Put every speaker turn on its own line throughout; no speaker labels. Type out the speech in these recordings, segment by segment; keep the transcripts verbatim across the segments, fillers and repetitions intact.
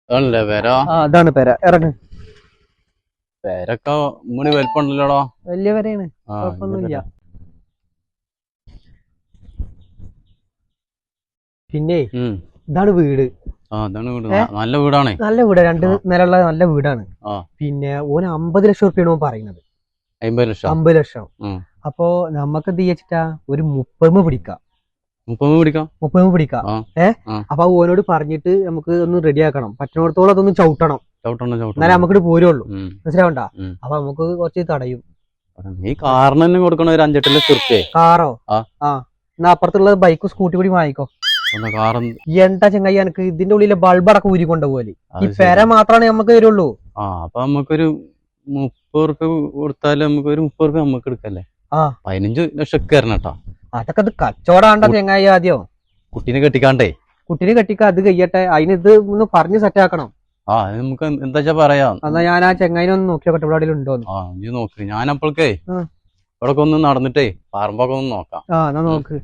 ആണല്ലേ പേര?
ആ അതാണ് പെര. ഇറങ്ങ്.
പേരൊക്കെ മൂന്ന് വലിപ്പമുണ്ടല്ലോടോ.
വലിയ പെരയാണ്, കുഴപ്പമൊന്നുമില്ല. പിന്നെ ഇതാണ് വീട്.
നല്ല വീടാണ്.
നല്ല വീട്, രണ്ട് നിലയുള്ള നല്ല വീടാണ്. പിന്നെ ഓന് അമ്പത് ലക്ഷം റുപ്യാണ് ഓൻ പറയുന്നത്.
അമ്പത് ലക്ഷം
അമ്പത് ലക്ഷം അപ്പൊ നമ്മക്ക് എന്ത് വെച്ചിട്ടാ ഒരു മുപ്പത് പിടിക്കാം.
മുപ്പത് പിടിക്കാം
മുപ്പത് പിടിക്കാം ഏഹ് അപ്പൊ ഓനോട് പറഞ്ഞിട്ട് നമുക്ക് ഒന്ന് റെഡിയാക്കണം. പറ്റുന്നിടത്തോളം അതൊന്ന് ചവിട്ടണം, എന്നാലേ നമുക്ക് പോരുള്ളൂ. മനസ്സിലാവണ്ട? അപ്പൊ നമുക്ക് കുറച്ച് തടയും.
ഈ കാറിന് കൊടുക്കണ ഒരു അഞ്ചെട്ട് ലക്ഷം റുപ്യ.
കാറോ? ആ എന്നാ അപ്പുറത്തുള്ള ബൈക്കും സ്കൂട്ടി കൂടി വാങ്ങിക്കോ. എന്താ ചെങ്ങായി, എനിക്ക് ഇതിന്റെ ഉള്ളിലെ ബൾബടക്കം ഊരി കൊണ്ടുപോലെ ഈ പെര മാത്രമാണ് നമുക്ക് വരുള്ളൂ.
ആ അപ്പൊ നമുക്കൊരു മുപ്പത് റുപ്യ കൊടുത്താല് നമുക്ക് ഒരു മുപ്പത് റുപ്യ നമുക്ക് എടുക്കല്ലേ? ആ പതിനഞ്ച് ലക്ഷം കേട്ടോ. അതൊക്കെ
അത് കച്ചവടാണ്ട ചെങ്ങായി. ആദ്യം
കുട്ടീനെ കെട്ടിക്കാണ്ടേ.
കുട്ടീനെ കെട്ടിക്ക, അത് കഴിയട്ടെ. അതിന് ഇത് ഒന്ന് പറഞ്ഞ് സെറ്റ് ആക്കണം.
ആ നമുക്ക് എന്താ പറയാ.
എന്നാ ഞാൻ ആ ചെങ്ങായിനെ ഒന്ന് നോക്കിയോട്ടെ, ഇവിടെ ഉണ്ടോന്ന്.
ആ നീ നോക്ക്. ഞാൻ അപ്പോഴേക്കേ ഇവിടെ ഒന്ന് നടന്നിട്ടേ പറമ്പൊക്കെ ഒന്ന് നോക്കാം.
ആ എന്നാ നോക്ക്.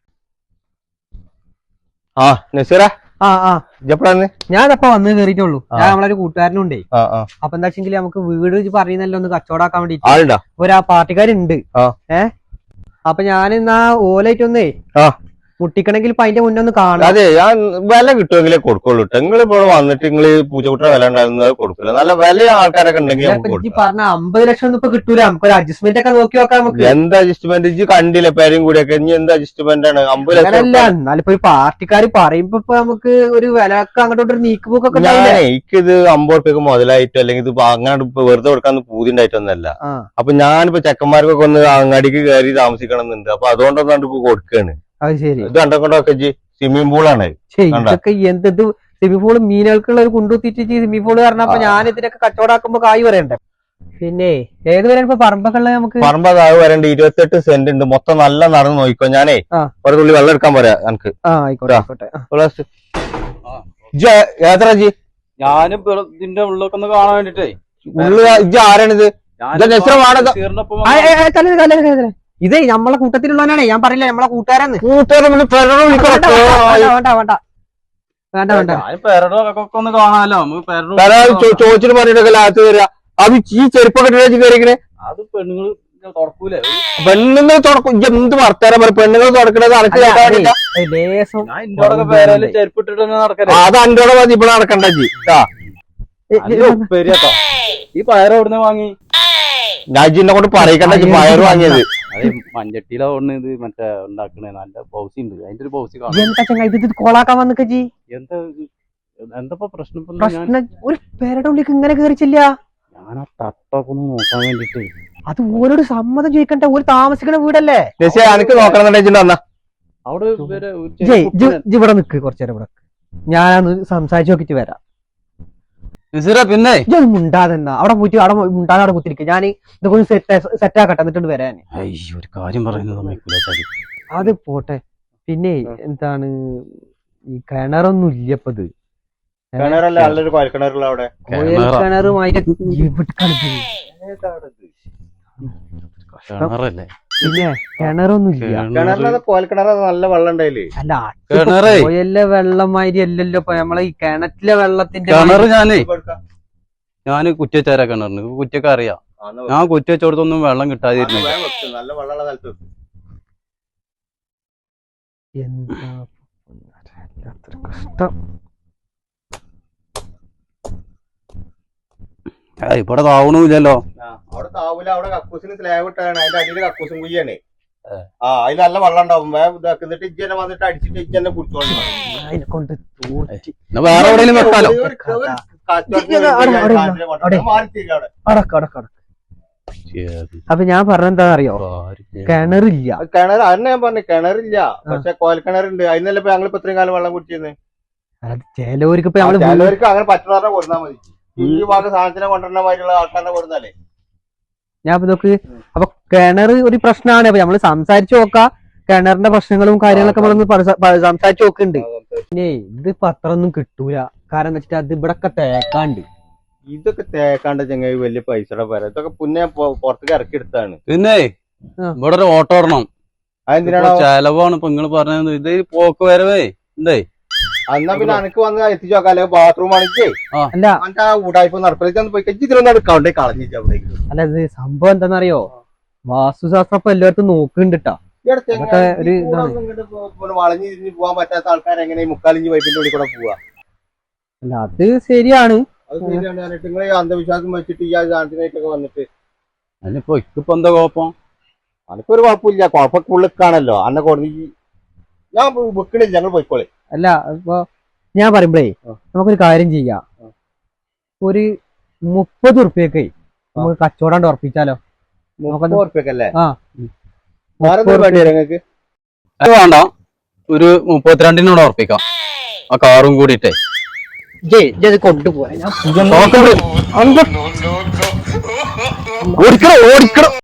ആ നസീറ,
ആ ആ
ഞാനപ്പ
വന്ന് കേറിയിട്ടുള്ളൂ. ഞാൻ നമ്മളൊരു കൂട്ടുകാരനുണ്ടേ. അപ്പൊ എന്താ വെച്ചെങ്കിൽ നമുക്ക് വീട് പറയുന്നല്ലോ ഒന്ന് കച്ചവടാക്കാൻ വേണ്ടിട്ട് ഒരാ പാർട്ടിക്കാരുണ്ട്. ഏഹ് അപ്പൊ ഞാൻ എന്നാ ഓലായിട്ടൊന്നേ മുട്ടിക്കണമെങ്കിൽ ഇപ്പൊ അതിന്റെ മുന്നേ ഒന്ന് കാണാം.
അതെ, ഞാൻ വില കിട്ടുമെങ്കിലേ കൊടുക്കുള്ളൂ. നിങ്ങൾ ഇപ്പോൾ വന്നിട്ട് നിങ്ങള് പൂച്ചക്കുട്ട വില ഉണ്ടായിരുന്നത് കൊടുക്കില്ല. നല്ല വില ആൾക്കാരൊക്കെ ഉണ്ടെങ്കിൽ
പറഞ്ഞ അമ്പത് ലക്ഷം ഒന്നും ഇപ്പൊ കിട്ടൂല. നമുക്ക് ഒരു അഡ്ജസ്റ്റ്മെന്റ് ഒക്കെ നോക്കി നോക്കാം. നമുക്ക്
എന്ത് അഡ്ജസ്റ്റ്മെന്റ്? ഇജ്ജ് കണ്ടില്ല പേരും കൂടിയൊക്കെ. ഇനി എന്ത് അഡ്ജസ്റ്റ്മെന്റ് ആണ്? അമ്പത് ലക്ഷം
അല്ല, എന്നാലിപ്പോ ഒരു പാർട്ടിക്കാര് പറയുമ്പോ ഇപ്പൊ നമുക്ക് ഒരു വിലക്ക് അങ്ങോട്ടൊരു നീക്കുപോക്കൊക്കെ.
എനിക്കിത് അമ്പത് റുപ്യക്ക് മുതലായിട്ടോ അല്ലെങ്കിൽ ഇത് അങ്ങനെ വെറുതെ കൊടുക്കാൻ പൂതി ഉണ്ടായിട്ടൊന്നല്ല. അപ്പൊ ഞാനിപ്പോ ചെക്കന്മാർക്കൊക്കെ ഒന്ന് അങ്ങാടിക്ക് കയറി താമസിക്കണം എന്നുണ്ട്. അപ്പൊ അതുകൊണ്ടൊന്നാണ്ട് ഇപ്പൊ കൊടുക്കാണ്.
അത് ശരി.
ഇത് കണ്ടൊക്കെ സ്വിമ്മിംഗ് പൂളാണ്.
ഇതൊക്കെ എന്ത് സ്വിമ്മിംഗ് പൂള് മീനുകൾക്കുള്ള ഒരു കുണ്ടുത്തിട്ട് സ്വിമ്മിംഗ് പൂള് പറഞ്ഞപ്പോ ഞാൻ ഇതിനൊക്കെ കച്ചവടാക്കുമ്പോ കായ് വരണ്ടേ? പിന്നെ ഏത് വരെ ഇപ്പൊ പറമ്പൊക്കെ നമുക്ക്
പറമ്പ കായ് വരണ്ട്. ഇരുപത്തെട്ട് സെന്റ് ഉണ്ട് മൊത്തം. നല്ല നടന്ന് നോക്കിക്കോ. ഞാനേ ഒരു തുള്ളി വെള്ളം എടുക്കാൻ പറയാ എനിക്ക്. ഏത്ര ജി?
ഞാനും ഇതിന്റെ ഉള്ളൊക്കെ ഒന്ന് കാണാൻ വേണ്ടിട്ടേ.
ഉള്ളു ഇജ്ജ് ആരാണിത്?
ഇതേ നമ്മളെ കൂട്ടത്തിലുള്ളവനാണേ. ഞാൻ പറയില്ല നമ്മളെ കൂട്ടുകാരാന്ന്. വേണ്ട വേണ്ട വേണ്ട വേണ്ട
ഒന്ന് കാണാലോ.
ചോദിച്ചിട്ട് പറഞ്ഞിട്ടൊക്കെ ലാസ്റ്റ് വരിക. അത് ഈ ചെരുപ്പൊക്കെ കയറിക്കണേ. അത്
പെണ്ണുങ്ങൾ തുറക്കൂലേ?
പെണ്ണുങ്ങൾ തുറക്കും. എന്ത് വർത്താനം പറയും? പെണ്ണുങ്ങൾ തുറക്കണത് അനക്ക് അത് അൻ്റോടെ മതി. ഇവിടെ നടക്കണ്ട ജി.
ഈ പയർ എവിടുന്ന് വാങ്ങി?
രാജിനെ കൊണ്ട് പറയിക്കണ്ട ജി. പയർ വാങ്ങിയത്
മഞ്ചട്ടിയിലാ ഇത് മറ്റേ ഉണ്ടാക്കണേ. നല്ല പൗസി ഉണ്ട്. അതിന്റെ ഒരു പൗസി
കോളാക്കാൻ വന്നിക്ക ജി.
എന്താ എന്താ പ്രശ്നം?
ഒരു പേരുടെ ഉള്ളിലേക്ക് ഇങ്ങനെ കയറിച്ചില്ല.
ഞാൻ ആ തട്ടൊക്കെ ഒന്ന് നോക്കാൻ വേണ്ടിട്ട്.
അത് ഓരോട് സമ്മതം ചോദിക്കണ്ട. ഒരു താമസിക്കണ വീടല്ലേ?
എനിക്ക് നോക്കണം.
അവിടെ
ഇവിടെ നിക്ക് കുറച്ചേരം. ഇവിടെ ഞാനൊന്ന് സംസാരിച്ചു നോക്കിട്ട് വരാം.
പിന്നെ
മുണ്ടാതെന്നാ അവിടെ പോയിട്ട് അവിടെ മുണ്ടാതെ അവിടെ കുത്തിരിക്ക. ഞാൻ ഇതൊക്കെ സെറ്റ് ആക്കട്ടെ, എന്നിട്ട് വരാൻ.
ഒരു കാര്യം പറയുന്നത്
അത് പോട്ടെ. പിന്നെ എന്താണ് ഈ കിണറൊന്നും ഇല്ലപ്പത്. കിണറുമായിട്ട് പിന്നെ കിണറൊന്നും ഇല്ല.
നല്ല വെള്ളം ഉണ്ടായില്ലേ?
അല്ല കോയലിലെ വെള്ളമാതിരി അല്ലല്ലോ ഇപ്പൊ നമ്മളെ ഈ കിണറ്റിലെ വെള്ളത്തിന്റെ
കിണറ്. ഞാനേ ഞാന് കുറ്റിച്ചാരാ കിണറിന്. കുറ്റിയൊക്കെ അറിയാം. ഞാൻ കുറ്റി വെച്ചോടത്തൊന്നും വെള്ളം കിട്ടാതിരുന്നില്ല.
നല്ല വെള്ളമുള്ള സ്ഥലത്ത്
എന്താ കഷ്ടം.
ഇവിടെ താവണില്ലല്ലോ.
അവിടെ താവൂല. അവിടെ കക്കൂസിന് സ്ലാബ് ഇട്ടാണ്. അതിന്റെ അടിയിൽ കക്കൂസും കുയ്യാണ്. ആ അതിൽ നല്ല വെള്ളം ഉണ്ടാവും. ഇതാക്കുന്നിട്ട് ഇജ്ജനെ വന്നിട്ട് അടിച്ചിട്ട് ഇജ്ജനെ കുടിച്ചോളൂ.
കൊണ്ട്
വേറെ എവിടെയെങ്കിലും വെക്കാലോ.
അപ്പൊ ഞാൻ പറഞ്ഞെന്താ അറിയോ? കിണറില്ല.
കിണർ അതിനെ ഞാൻ പറഞ്ഞു കിണറില്ല. പക്ഷെ കോൽക്കിണറുണ്ട്. അതിനല്ലേ ഇപ്പൊ ഞങ്ങളിപ്പോ ഇത്രയും കാലം വെള്ളം കുടിച്ചിരുന്നത്.
ചിലവർക്ക്
ചിലവർക്ക് അങ്ങനെ പറ്റുന്നവരെ കൊടുത്താൽ മതി. ഈ ഭാഗ സാധനത്തിനെ കൊണ്ടുവരുന്ന മാതിരിയുള്ള ആൾക്കാരെ കൊടുത്താലേ.
ഞാൻ ഇതൊക്കെ അപ്പൊ കിണർ ഒരു പ്രശ്നമാണ്. അപ്പൊ നമ്മള് സംസാരിച്ചു നോക്കാം. കിണറിന്റെ പ്രശ്നങ്ങളും കാര്യങ്ങളൊക്കെ നമ്മളൊന്ന് സംസാരിച്ചു നോക്കുന്നുണ്ട്. പിന്നെ ഇത് പത്രമൊന്നും കിട്ടൂല. കാരണം എന്താ വെച്ചിട്ട് അത് ഇവിടൊക്കെ തേക്കാണ്ട്.
ഇതൊക്കെ തേക്കാണ്ട് ചെങ്ങായി വലിയ പൈസയുടെ പേര. ഇതൊക്കെ പിന്നെ പുറത്തേക്ക് ഇറക്കി എടുത്താണ്.
പിന്നെ ഇവിടെ ഒരു ഓട്ടോ ഇടണം. അതെന്തിനാണ്? ചെലവാണ് ഇപ്പൊ നിങ്ങള് പറഞ്ഞത്. ഇത് പോക്ക് വരവേ എന്തേ
എന്നാ പിന്നെ അനക്ക് വന്ന് എത്തിച്ചു നോക്കാം അല്ലെങ്കിൽ ബാത്റൂം ആണെങ്കിൽ
അല്ല
അന്റെ ആ ഊടായ്പ നടപ്പിലേക്ക് പോയി കഴിഞ്ഞാൽ ഇതിലൊന്നും എടുക്കാണ്ട് കളഞ്ഞിട്ട് അവിടേക്ക്
അല്ല ഇത് സംഭവം എന്താണെന്നറിയോ വാസ്തുശാസ്ത്രം ഇപ്പൊ എല്ലായിടത്തും നോക്കുന്നുണ്ട് ട്ടാ. അതൊക്കെ ഒരു ഇതാണ്.
വളഞ്ഞു തിരിഞ്ഞ് പോകാൻ പറ്റാത്ത ആൾക്കാർ എങ്ങനെ മുക്കാലിഞ്ച് പൈപ്പിന്റെ ഉള്ളിൽ കൂടെ പോവാ?
അല്ല അത് ശരിയാണ്.
അത് ശരിയാണ്. നിങ്ങൾ ഈ അന്ധവിശ്വാസം വെച്ചിട്ട് ഈ ശാന്തിനായിട്ടൊക്കെ വന്നിട്ട്
അതിനിപ്പോ ഇക്കിപ്പോ എന്താ കുഴപ്പം?
അനക്കൊരു കുഴപ്പമില്ല. കുഴപ്പമൊക്കെ ഉള്ളിക്കാണല്ലോ അന്നെ കൊടുത്ത് ഞാൻ വെക്കണില്ല. ഞങ്ങൾ പോയിക്കോളെ.
അല്ല ഇപ്പൊ ഞാൻ പറയുമ്പോഴേ നമുക്കൊരു കാര്യം ചെയ്യാം. ഒരു മുപ്പത് ഉറുപ്പ്യൊക്കെ നമുക്ക് കച്ചവടം ഉറപ്പിച്ചാലോ?
മുപ്പത് ഉറുപ്പ്യക്കല്ലേ?
ആ
വേണ്ടി നിങ്ങൾക്ക്
അത് വേണ്ട, ഒരു മുപ്പത്തിരണ്ടിനോട് ഉറപ്പിക്കാം. ആ കാറും കൂടിയിട്ടേ
കൊണ്ടുപോയാ
ഓടിക്കണം ഓടിക്കണം